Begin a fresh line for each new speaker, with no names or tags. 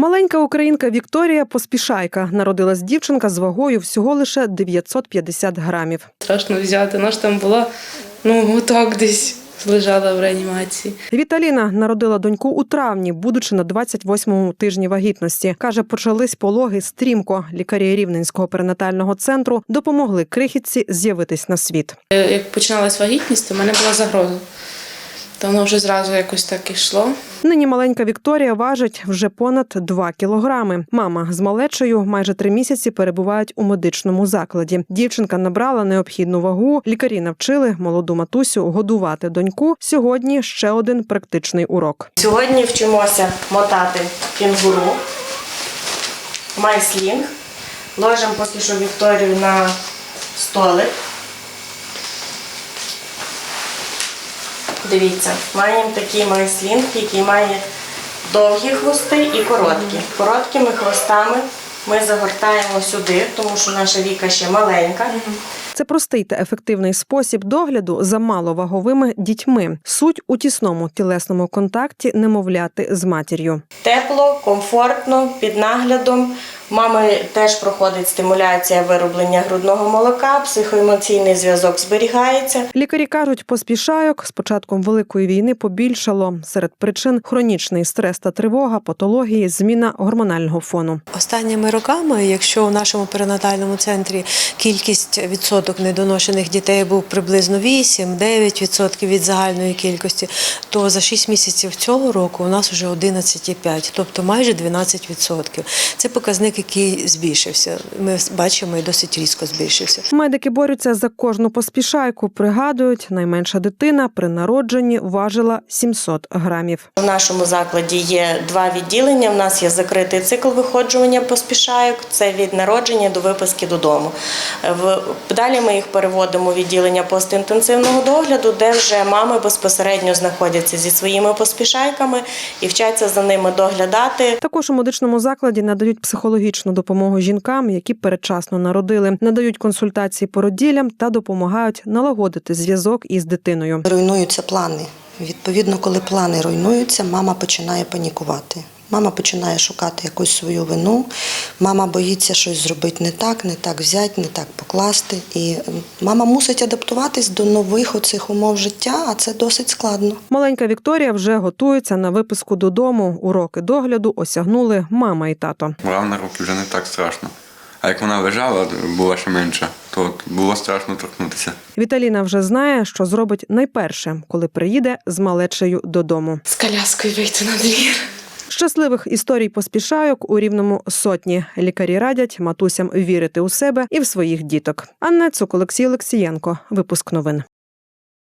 Маленька українка Вікторія Поспішайка. Народилась дівчинка з вагою всього лише 950 грамів.
Страшно взяти, вона ж там була, отак десь лежала в реанімації.
Віталіна народила доньку у травні, будучи на 28-му тижні вагітності. Каже, почались пологи стрімко. Лікарі Рівненського перинатального центру допомогли крихітці з'явитись на світ.
Як починалась вагітність, то в мене була загроза. То воно вже зразу якось так ішло.
Нині маленька Вікторія важить вже понад 2 кілограми. Мама з малечею майже 3 місяці перебувають у медичному закладі. Дівчинка набрала необхідну вагу. Лікарі навчили молоду матусю годувати доньку. Сьогодні ще один практичний урок.
Сьогодні вчимося мотати кенгуру, майслінг. Ложимо поки що Вікторію на столик. Дивіться, маємо такий майслінг, який має довгі хвости і короткі. Короткими хвостами ми загортаємо сюди, тому що наша Віка ще маленька.
Це простий та ефективний спосіб догляду за маловаговими дітьми. Суть у тісному тілесному контакті немовляти з матір'ю.
Тепло, комфортно, під наглядом. Мами теж проходить стимуляція вироблення грудного молока, психоемоційний зв'язок зберігається.
Лікарі кажуть, поспішайок з початком Великої війни побільшало. Серед причин – хронічний стрес та тривога, патології, зміна гормонального фону.
Останніми роками, якщо у нашому перинатальному центрі кількість відсоток недоношених дітей був приблизно 8-9% від загальної кількості, то за 6 місяців цього року у нас вже 11,5%, тобто майже 12%. Це показник, який збільшився. Ми бачимо, і досить різко збільшився.
Медики борються за кожну поспішайку. Пригадують, найменша дитина при народженні важила 700 грамів.
В нашому закладі є 2 відділення. У нас є закритий цикл виходжування поспішайок. Це від народження до виписки додому. Далі ми їх переводимо у відділення постінтенсивного догляду, де вже мами безпосередньо знаходяться зі своїми поспішайками і вчаться за ними доглядати.
Також у медичному закладі надають психологічну допомогу жінкам, які передчасно народили. Надають консультації породіллям та допомагають налагодити зв'язок із дитиною.
Руйнуються плани. Відповідно, коли плани руйнуються, мама починає панікувати. Мама починає шукати якусь свою вину, мама боїться щось зробити не так взяти, не так покласти. І мама мусить адаптуватись до нових оцих умов життя, а це досить складно.
Маленька Вікторія вже готується на виписку додому. Уроки догляду осягнули мама і тато.
Брав на руки вже не так страшно. А як вона лежала, була ще менша, то було страшно торкнутися.
Віталіна вже знає, що зробить найперше, коли приїде з малечею додому.
З коляскою вийти на двір.
Щасливих історій поспішайок у Рівному сотні. Лікарі радять матусям вірити у себе і в своїх діток. Анна Цук, Олексій Олексієнко. Випуск новин.